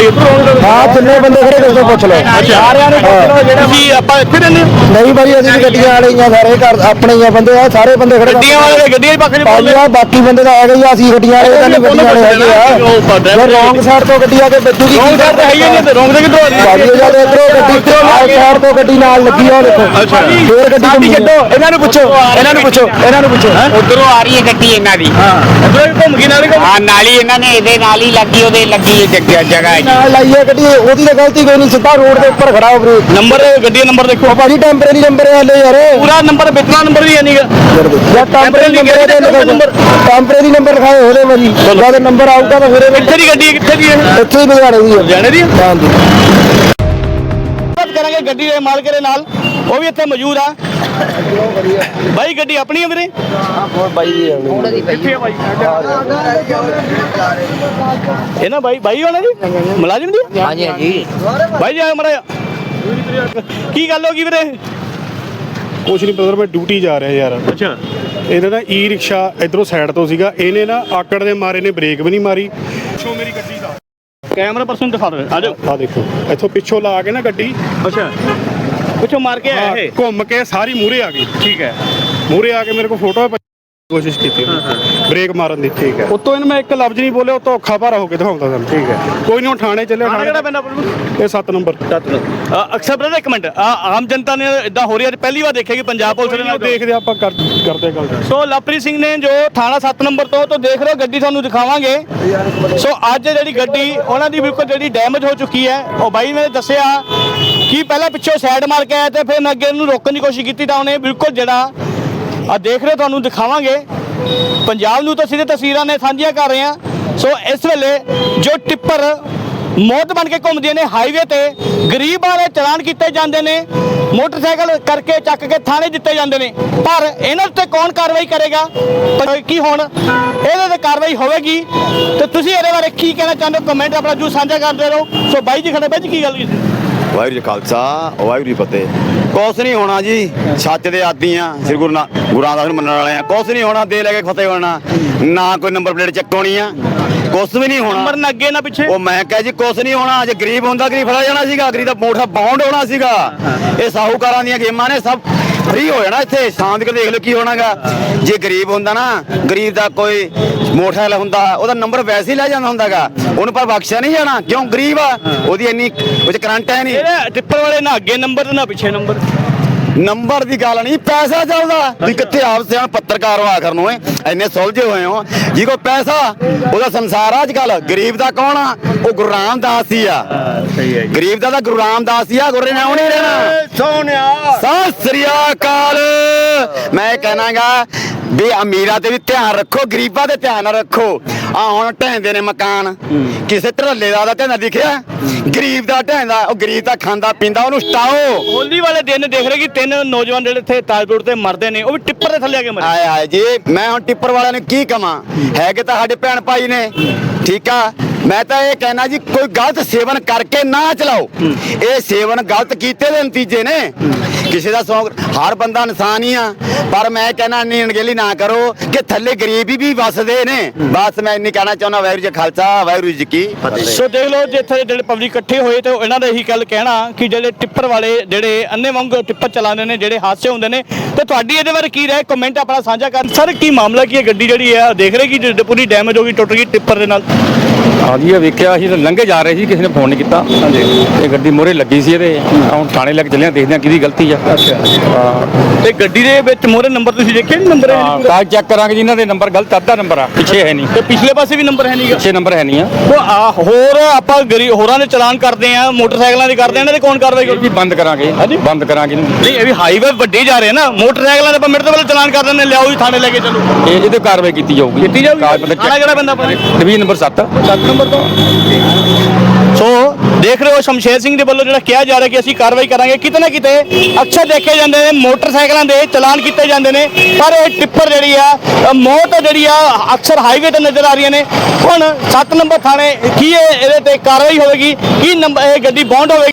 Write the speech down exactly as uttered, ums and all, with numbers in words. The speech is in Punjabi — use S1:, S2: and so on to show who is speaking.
S1: ਗੱਡੀ
S2: ਹਾਂ ਜਿੰਨੇ ਬੰਦੇ ਖੜੇ ਕਿਸੇ ਤੋਂ ਪੁੱਛ ਲਓ
S1: ਸਾਰਿਆਂ ਨੂੰ ਪੁੱਛ ਲਓ ਜਿਹੜਾ ਤੁਸੀਂ ਆਪਾਂ ਇੱਥੇ ਰਹਿੰਦੇ
S2: ਨਹੀਂ ਭਾਈ ਅਸੀਂ ਗੱਡੀਆਂ ਵਾਲੇ ਹੀ ਆ ਸਾਰੇ ਘਰ ਆਪਣੇ ਹੀ ਆ ਬੰਦੇ ਆ ਸਾਰੇ ਬੰਦੇ ਖੜੇ
S1: ਗੱਡੀਆਂ ਵਾਲੇ ਗੱਡੀਆਂ ਹੀ ਪੱਖ
S2: ਭਾਈ ਆ ਬਾਕੀ ਬੰਦੇ ਤਾਂ ਹੈਗੇ ਹੀ ਆ ਅਸੀਂ ਗੱਡੀਆਂ ਵਾਲੇ ਤਾਂ ਨਹੀਂ ਗੱਡੀਆਂ ਵਾਲੇ ਹੈਗੇ ਆ ਜੇ ਰੌਂਗ ਸਾਈਡ ਤੋਂ ਗੱਡੀ ਆ ਕੇ ਵੱਜੂਗੀ
S1: ਰੌਂਗ ਸਾਈਡ ਤਾਂ ਹੈ ਹੀ ਨਹੀਂ ਰੌਂਗ ਦੇ ਕਿੱਧਰੋਂ ਆ ਰਹੀ
S2: ਭਾਈ ਜਦ ਇਧਰੋਂ ਗੱਡੀ ਆਹ ਸਾਈਡ ਤੋਂ ਗੱਡੀ ਨਾਲ ਲੱਗੀ ਆ ਦੇਖੋ ਫੇਰ ਗੱਡੀ
S1: ਸਾਡੀ ਛੱਡੋ ਇਹਨਾਂ ਨੂੰ ਪੁੱਛੋ ਇਹਨਾਂ ਨੂੰ ਪੁੱਛੋ ਇਹਨਾਂ ਨੂੰ ਪੁੱਛੋ
S3: ਉਧਰੋਂ ਆ ਰਹੀ ਹੈ ਗੱਡੀ ਇਹਨਾਂ ਦੀ
S1: ਹਾਂ ਇਧਰੋਂ ਘੁੰਮ ਗਈ ਨਾਲ
S3: ਹਾਂ ਨਾਲ ਹੀ ਇਹਨਾਂ ਨੇ ਇਹਦੇ ਨਾਲ ਹੀ ਲੱਗੀ ਉਹਦੇ ਲੱਗੀ ਹੈ ਜਗ੍ਹਾ ਜਗ੍ਹਾ
S2: ਨਾਲ ਲਾਈਏ ਗੱਡੀ ਉਹਦੀ ਤਾਂ ਗਲਤੀ ਕੋਈ ਨਹੀਂ ਸਿੱਧਾ ਰੋਡ ਦੇ ਉੱਪਰ ਖੜਾ ਹੋ ਵੀਰੇ
S1: ਨੰਬਰ ਗੱਡੀ ਦਾ ਨੰਬਰ ਦੇਖੋ
S2: ਭਾਜੀ ਟੈਂਪਰੇਰੀ ਨੰਬਰ ਵਾਲੇ ਯਾਰ
S1: ਪੂਰਾ ਨੰਬਰ ਵਿਚਲਾ ਨੰਬਰ ਵੀ ਹੈ ਨਹੀਂਗਾ
S2: ਯਾਰ ਟੈਂਪਰੇਰੀ ਨੰਬਰ ਟੈਂਪਰੇਰੀ ਨੰਬਰ ਲਿਖਾਏ ਹੋਲੇ ਭਾਜੀ ਜਦ ਨੰਬਰ ਆਊਗਾ ਤਾਂ ਫਿਰ
S1: ਕਿੱਥੇ ਦੀ ਗੱਡੀ ਹੈ ਕਿੱਥੇ ਦੀ ਹੈ
S2: ਇੱਥੇ ਹੀ ਲੁਧਿਆਣੇ ਦੀ ਹੈ
S1: ਜਾਣੇ ਦੀ
S2: ਹਾਂਜੀ
S1: ਬਾਤ ਕਰਾਂਗੇ ਗੱਡੀ ਦੇ ਮਾਲਕ ਦੇ ਨਾਲ ਉਹ ਵੀ ਇੱਥੇ ਮੌਜੂਦ ਆ ਬਾਈ ਗੱਡੀ ਆਪਣੀ ਹੈ ਵੀਰੇ
S2: ਹਾਂ ਬਾਈ ਜੀ
S1: ਕਿੱਥੇ ਹੈ ਬਾਈ ਇਹ ਨਾ ਬਾਈ ਬਾਈ ਹੋਣਾ ਜੀ ਮੁਲਾਜ਼ਮ ਦੀ
S3: ਹਾਂਜੀ ਹਾਂਜੀ
S1: ਬਾਈ ਜੀ ਆਇਓ ਮੜਾ ਕੀ ਗੱਲ ਹੋ ਗਈ ਵੀਰੇ
S4: ਕੁਛ ਨਹੀਂ ਬ੍ਰਦਰ ਮੈਂ ਡਿਊਟੀ ਜਾ ਰਿਹਾ ਯਾਰ
S1: ਅੱਛਾ
S4: ਇਹਨੇ ਨਾ ਈ ਰਿਕਸ਼ਾ ਇਧਰੋਂ ਸਾਈਡ ਤੋਂ ਸੀਗਾ ਇਹਨੇ ਨਾ ਆਕੜ ਦੇ ਮਾਰੇ ਨੇ ਬ੍ਰੇਕ ਵੀ ਨਹੀਂ ਮਾਰੀ ਪਿੱਛੋਂ ਮੇਰੀ ਗੱਡੀ ਦਾ
S1: ਕੈਮਰਾ ਪਰਸਨ ਦਿਖਾ ਦਿਓ ਆ ਜਾਓ
S4: ਆ ਦੇਖੋ ਇੱਥੋਂ ਪਿੱਛੋਂ ਲਾ ਕੇ ਨਾ ਗੱਡੀ
S1: ਅੱਛਾ ਪਿੱਛੋਂ ਮਾਰ ਕੇ ਆਇਆ ਇਹ
S4: ਘੁੰਮ ਕੇ ਸਾਰੀ ਮੂਹਰੇ ਆ ਗਈ
S1: ਠੀਕ ਹੈ
S4: ਮੂਹਰੇ ਆ ਕੇ ਮੇਰੇ ਕੋਲ ਫੋਟੋ ਕੋਸ਼ਿਸ਼ ਕੀਤੀ ਬ੍ਰੇਕ ਮਾਰਨ ਦੀ ਠੀਕ ਹੈ ਉਤੋਂ ਇਹਨੂੰ ਮੈਂ ਇੱਕ ਲਫ਼ਜ਼ ਨਹੀਂ ਬੋਲਿਆ ਉਤੋਂ ਔਖਾ ਭਾਰਾ ਹੋ ਕੇ ਦਿਖਾਉਂਦਾ ਤੁਹਾਨੂੰ ਠੀਕ ਹੈ ਕੋਈ ਨਹੀਂ ਥਾਣੇ ਚੱਲੇ
S1: ਥਾਣੇ ਕਿਹੜਾ ਪੈਂਦਾ
S4: ਇਹ ਸੱਤ ਨੰਬਰ
S1: ਅਕਸਰ ਬ੍ਰਦਰ ਇੱਕ ਮਿੰਟ ਆਮ ਜਨਤਾ ਨੇ ਇਦਾਂ ਹੋ ਰਹੀ ਹੈ ਪਹਿਲੀ ਵਾਰ ਦੇਖਿਆ ਕਿ ਪੰਜਾਬ ਪੁਲਿਸ ਨੇ
S4: ਦੇਖਦੇ ਆਪਾਂ ਕਰ- ਕਰਦੇ ਗੱਲ
S1: ਸੋ ਲਵਪ੍ਰੀਤ ਸਿੰਘ ਨੇ ਜੋ ਥਾਣਾ ਸੱਤ ਨੰਬਰ ਤੋਂ ਤੋਂ ਦੇਖ ਰਹੇ ਹੋ ਗੱਡੀ ਤੁਹਾਨੂੰ ਦਿਖਾਵਾਂਗੇ ਸੋ ਅੱਜ ਜਿਹੜੀ ਗੱਡੀ ਉਹਨਾਂ ਦੀ ਬਿਲਕੁਲ ਜਿਹੜੀ ਡੈਮੇਜ ਹੋ ਚੁੱਕੀ ਹੈ ਉਹ ਬਾਈ ਨੇ ਦੱਸਿਆ ਕਿ ਪਹਿਲਾਂ ਪਿੱਛੋਂ ਸਾਈਡ ਮਾਰ ਕੇ ਆਇਆ ਤੇ ਫਿਰ ਅੱਗੇ ਨੂੰ ਰੋਕਣ ਦੀ ਕੋਸ਼ਿਸ਼ ਕੀਤੀ ਤਾਂ ਉਹਨੇ ਬਿਲਕੁਲ ਜਿਹੜਾ ਆ ਦੇਖ ਰਹੇ ਤੁਹਾਨੂੰ ਦਿਖਾਵਾਂਗੇ ਪੰਜਾਬ ਨੂੰ ਤਾਂ ਸਿੱਧੇ ਤਸਵੀਰਾਂ ਨੇ ਸਾਂਝੀਆਂ ਕਰ ਰਹੇ ਆ ਸੋ ਇਸ ਵੇਲੇ ਜੋ ਟਿੱਪਰ ਮੌਤ ਬਣ ਕੇ ਘੁੰਮਦੇ ਨੇ ਹਾਈਵੇ ਤੇ ਗਰੀਬ ਵਾਲੇ ਚਲਾਨ ਕੀਤੇ ਜਾਂਦੇ ਨੇ ਮੋਟਰਸਾਈਕਲ ਕਰਕੇ ਚੱਕ ਕੇ ਥਾਣੇ ਦਿੱਤੇ ਜਾਂਦੇ ਨੇ ਪਰ ਇਹਨਾਂ ਉੱਤੇ ਕੌਣ ਕਾਰਵਾਈ ਕਰੇਗਾ ਪਰ ਕੀ ਹੁਣ ਇਹਦੇ ਤੇ ਕਾਰਵਾਈ ਹੋਵੇਗੀ ਤੇ ਤੁਸੀਂ ਇਹਦੇ ਬਾਰੇ ਕੀ ਕਹਿਣਾ ਚਾਹੁੰਦੇ ਹੋ ਕਮੈਂਟ ਆਪਣਾ ਜੂ ਸਾਂਝਾ ਕਰਦੇ ਰਹੋ ਸੋ ਬਾਈ ਜੀ ਖੜੇ ਬਾਈ ਜੀ ਕੀ ਗੱਲ ਕੀਤੀ
S5: ਵਾਹਿਗੁਰੂ ਜੀ ਖਾਲਸਾ ਵਾਹਿਗੁਰੂ ਜੀ ਫਤਿਹ ਕੁਛ ਨਹੀਂ ਹੋਣਾ ਜੀ ਸੱਚ ਦੇ ਆਦੀ ਆ ਸ੍ਰੀ ਗੁਰੂ ਨਾ ਗੁਰੂ ਰਾਮਦਾਸ ਨੂੰ ਮੰਨਣ ਵਾਲੇ ਆ ਕੁਛ ਨਹੀਂ ਹੋਣਾ ਦੇ ਲੈ ਕੇ ਫਤਿਹ ਹੋਣਾ ਨਾ ਕੋਈ ਨੰਬਰ ਪਲੇਟ ਚੱਕਣੀ ਆ ਕੁਛ ਵੀ ਨਹੀਂ ਹੋਣਾ
S1: ਨੰਬਰ ਨਾ ਅੱਗੇ ਨਾ ਪਿੱਛੇ
S5: ਉਹ ਮੈਂ ਕਹੇ ਜੀ ਕੁਛ ਨਹੀਂ ਹੋਣਾ ਜੇ ਗਰੀਬ ਹੁੰਦਾ ਗਰੀਬ ਫੜਾ ਜਾਣਾ ਸੀਗਾ ਗਰੀਬ ਦਾ ਮੋਟਾ ਬਾਉਂਡ ਹੋਣਾ ਸੀਗਾ ਇਹ ਸਾਹੂਕਾਰਾਂ ਦੀਆਂ ਗੇਮਾਂ ਨੇ ਸਭ ਫ੍ਰੀ ਹੋ ਜਾਣਾ ਇੱਥੇ ਸ਼ਾਂਤ ਕੇ ਦੇਖ ਲਓ ਕੀ ਹੋਣਾਗਾ ਜੇ ਗਰੀਬ ਹੁੰਦਾ ਨਾ ਗਰੀਬ ਦਾ ਕੋਈ ਮੋਟਰਸਾਈਕਲ ਹੁੰਦਾ ਉਹਦਾ ਨੰਬਰ ਵੈਸੇ ਹੀ ਲੈ ਜਾਂਦਾ ਹੁੰਦਾਗਾ ਉਹਨੂੰ ਪਰ ਬਖਸ਼ਿਆ ਨਹੀਂ ਜਾਣਾ ਕਿਉਂ ਗਰੀਬ ਆ ਉਹਦੀ ਇੰਨੀ ਵਿੱਚ ਕਰੰਟ ਹੈ ਨਹੀਂ
S1: ਇਹਦੇ ਟਿੱਪਰ ਵਾਲੇ ਨਾ ਅੱਗੇ ਨੰਬਰ ਤੇ ਨਾ ਪਿੱਛੇ ਨੰਬਰ
S5: ਨੰਬਰ ਦੀ ਗੱਲ ਨਹੀਂ ਪੈਸਾ ਚੱਲਦਾ ਤੁਸੀਂ ਕਿੱਥੇ ਆਪ ਸਿਆਣ ਪੱਤਰਕਾਰ ਹੋ ਆਖਰ ਨੂੰ ਇੰਨੇ ਸੁਲਝੇ ਹੋਏ ਹੋ ਜੀ ਕੋ ਪੈਸਾ ਉਹਦਾ ਸੰਸਾਰ ਆ ਅੱਜ ਕੱਲ ਗਰੀਬ ਦਾ ਕੌਣ ਆ ਉਹ ਗੁਰੂ ਰਾਮਦਾਸ ਹੀ ਆ
S1: ਸਹੀ ਹੈ
S5: ਗਰੀਬ ਦਾ ਤਾਂ ਗੁਰੂ ਰਾਮਦਾਸ ਹੀ ਆ ਗੁਰੂ ਨੇ ਆਉਣੀ ਰਹਿਣਾ
S1: ਸੋਹਣਿਆ
S5: ਸਤਿ ਸ੍ਰੀ ਅਕਾਲ ਮੈਂ ਕਹਿਣਾਗਾ ਵੀ ਅਮੀਰਾਂ ਤੇ ਵੀ ਧਿਆਨ ਰੱਖੋ ਗਰੀਬਾਂ ਤੇ ਧਿਆਨ ਰੱਖੋ ਆ ਹੁਣ ਢਹਿੰਦੇ ਨੇ ਮਕਾਨ ਕਿਸੇ ਧੜੱਲੇ ਦਾ ਦਾ ਢਹਿੰਦਾ ਦਿਖਿਆ ਗਰੀਬ ਦਾ ਢਹਿੰਦਾ ਉਹ ਗਰੀਬ ਤਾਂ ਖਾਂਦਾ ਪੀਂਦਾ ਉਹਨੂੰ ਸਟਾਓ
S1: ਹੋਲੀ ਵਾਲੇ ਦਿਨ ਦੇਖ ਰਹੇ ਕਿ ਤਿੰਨ ਨੌਜਵਾਨ ਜਿਹੜੇ ਇੱਥੇ ਤਾਜਪੁਰ ਤੇ ਮਰਦੇ ਨੇ ਉਹ ਵੀ ਟਿੱਪਰ ਦੇ ਥੱਲੇ ਆ ਕੇ ਮਰੇ
S5: ਆਏ ਆਏ ਜੀ ਮੈਂ ਹੁਣ ਟਿੱਪਰ ਵਾਲਿਆਂ ਨੂੰ ਕੀ ਕਵਾਂ ਹੈਗੇ ਤਾਂ ਸਾਡੇ ਭੈਣ ਭਾਈ ਨੇ ਠੀਕ ਆ ਮੈਂ ਤਾਂ ਇਹ ਕਹਿਣਾ ਜੀ ਕੋਈ ਗਲਤ ਸੇਵਨ ਕਰਕੇ ਨਾ ਚਲਾਓ ਇਹ ਸੇਵਨ ਗਲਤ ਕੀਤੇ ਦੇ ਨਤੀਜੇ ਨੇ ਕਿਸੇ ਦਾ ਸ਼ੌਂਕ ਹਰ ਬੰਦਾ ਇਨਸਾਨ ਹੀ ਆ ਪਰ ਮੈਂ ਕਹਿਣਾ ਇੰਨੀ ਅਣਗਹਿਲੀ ਨਾ ਕਰੋ ਕਿ ਥੱਲੇ ਗਰੀਬੀ ਵੀ ਵਸਦੇ ਨੇ ਬਸ ਮੈਂ ਇੰਨੀ ਕਹਿਣਾ ਚਾਹੁੰਦਾ ਵਾਹਿਗੁਰੂ ਜੀ ਖਾਲਸਾ ਵਾਹਿਗੁਰੂ ਜੀ ਕੀ ਫਤਿਹ
S1: ਸੋ ਦੇਖ ਲਓ ਜੇ ਇੱਥੇ ਜਿਹੜੇ ਪਬਲਿਕ ਇਕੱਠੇ ਹੋਏ ਤੇ ਇਹਨਾਂ ਦਾ ਇਹੀ ਗੱਲ ਕਹਿਣਾ ਕਿ ਜਿਹੜੇ ਟਿੱਪਰ ਵਾਲੇ ਜਿਹੜੇ ਅੰਨੇ ਵਾਂਗ ਟਿੱਪਰ ਚਲਾਉਂਦੇ ਨੇ ਜਿਹੜੇ ਹਾਦਸੇ ਹੁੰਦੇ ਨੇ ਤੇ ਤੁਹਾਡੀ ਇਹਦੇ ਬਾਰੇ ਕੀ ਰਾਏ ਕਮੈਂਟ ਆਪਣਾ ਸਾਂਝਾ ਕਰਨ ਸਰ ਕੀ ਮਾਮਲਾ ਕੀ ਹੈ ਗੱਡੀ ਜਿਹੜੀ ਹੈ ਦੇਖ ਰਹੇ ਕਿ ਪੂਰੀ ਡੈਮੇਜ ਹੋ ਗਈ ਟੁੱਟ ਗਈ ਟਿੱਪਰ ਦੇ ਨਾਲ
S6: ਹਾਂਜੀ ਇਹ ਵੇਖਿਆ ਅਸੀਂ ਤਾਂ ਲੰਘੇ ਜਾ ਰਹੇ ਸੀ ਕਿਸੇ ਨੇ ਫੋਨ ਨਹੀਂ ਕੀਤਾ ਹਾਂਜੀ ਇਹ ਗੱਡੀ ਮੋਰੇ ਲੱਗੀ ਸੀ ਇਹਦੇ ਹੁਣ ਥਾਣੇ ਲੈ ਕੇ ਚੱਲੇ ਆ ਦੇਖਦੇ ਆ ਕਿਹਦੀ ਗਲਤੀ ਆ
S1: ਅੱਛਾ ਹਾਂ ਤੇ ਗੱਡੀ ਦੇ ਵਿੱਚ ਮੋਰੇ ਨੰਬਰ ਤੁਸੀਂ ਦੇਖਿਆ ਨਹੀਂ ਨੰਬਰ ਹੈ
S6: ਕਾਗਜ਼ ਚੈੱਕ ਕਰਾਂਗੇ ਜੀ ਇਹਨਾਂ ਦੇ ਨੰਬਰ ਗਲਤ ਅੱਧਾ ਨੰਬਰ ਆ ਪਿੱਛੇ ਹੈ ਨਹੀਂ
S1: ਤੇ ਪਿਛਲੇ ਪਾਸੇ ਵੀ ਨੰਬਰ ਹੈ ਨਹੀਂਗਾ
S6: ਪਿੱਛੇ ਨੰਬਰ ਹੈ ਨਹੀਂ ਆ
S1: ਉਹ ਆ ਹੋਰ ਆਪਾਂ ਗਰੀ ਹੋਰਾਂ ਦੇ ਚਲਾਨ ਕਰਦੇ ਆ ਮੋਟਰਸਾਈਕਲਾਂ ਦੇ ਕਰਦੇ ਆ ਇਹਨਾਂ ਦੇ ਕੌਣ ਕਾਰਵਾਈ
S6: ਇਹ ਵੀ ਬੰਦ ਕਰਾਂਗੇ ਬੰਦ ਕਰਾਂਗੇ ਇਹਨੂੰ
S1: ਨਹੀਂ ਇਹ ਵੀ ਹਾਈਵੇ ਵੱਡੇ ਜਾ ਰਹੇ ਨਾ ਮੋਟਰਸਾਈਕਲਾਂ ਦੇ ਆਪਾਂ ਮਿੰਟ ਤੋਂ ਪਹਿਲਾਂ ਚਲਾਨ ਕਰ ਦਿੰਦੇ ਲਿਆਓ ਜੀ ਥਾਣੇ ਲੈ ਕੇ ਚਲੋ
S6: ਇਹ ਇਹਦੇ ਕਾਰਵਾਈ ਕੀਤੀ ਜਾਊਗੀ
S1: ਕੀਤੀ ਜਾਊਗੀ
S6: ਕਾਗਜ਼ ਪੱਤਰ
S1: ਥਾਣਾ ਕਿਹੜਾ ਪੈਂਦਾ ਪਰ
S6: ਡਿਵੀਜ਼ਨ ਨੰਬਰ ਸੱਤ
S1: ਸੱਤ ਨੰਬਰ ਤੋਂ ਸੋ ਦੇਖ ਰਹੇ ਹੋ ਸ਼ਮਸ਼ੇਰ ਸਿੰਘ ਦੇ ਵੱਲੋਂ ਜਿਹੜਾ ਕਿਹਾ ਜਾ ਰਿਹਾ ਕਿ ਅਸੀਂ ਕਾਰਵਾਈ ਕਰਾਂਗੇ ਕਿਤੇ ਨਾ ਕਿਤੇ ਅਕਸਰ ਦੇਖੇ ਜਾਂਦੇ ਨੇ ਮੋਟਰਸਾਈਕਲਾਂ ਦੇ ਚਲਾਨ ਕੀਤੇ ਜਾਂਦੇ ਨੇ ਪਰ ਇਹ ਟਿੱਪਰ ਜਿਹੜੀ ਆ ਮੌਤ ਜਿਹੜੀ ਆ ਅਕਸਰ ਹਾਈਵੇ ਤੇ ਨਜ਼ਰ ਆ ਰਹੀਆਂ ਨੇ ਹੁਣ ਸੱਤ ਨੰਬਰ ਥਾਣੇ ਕੀ ਇਹਦੇ ਤੇ ਕਾਰਵਾਈ ਹੋਵੇਗੀ ਕੀ ਨੰਬਰ ਇਹ ਗੱਡੀ ਬੌਂਡ ਹੋਵੇਗੀ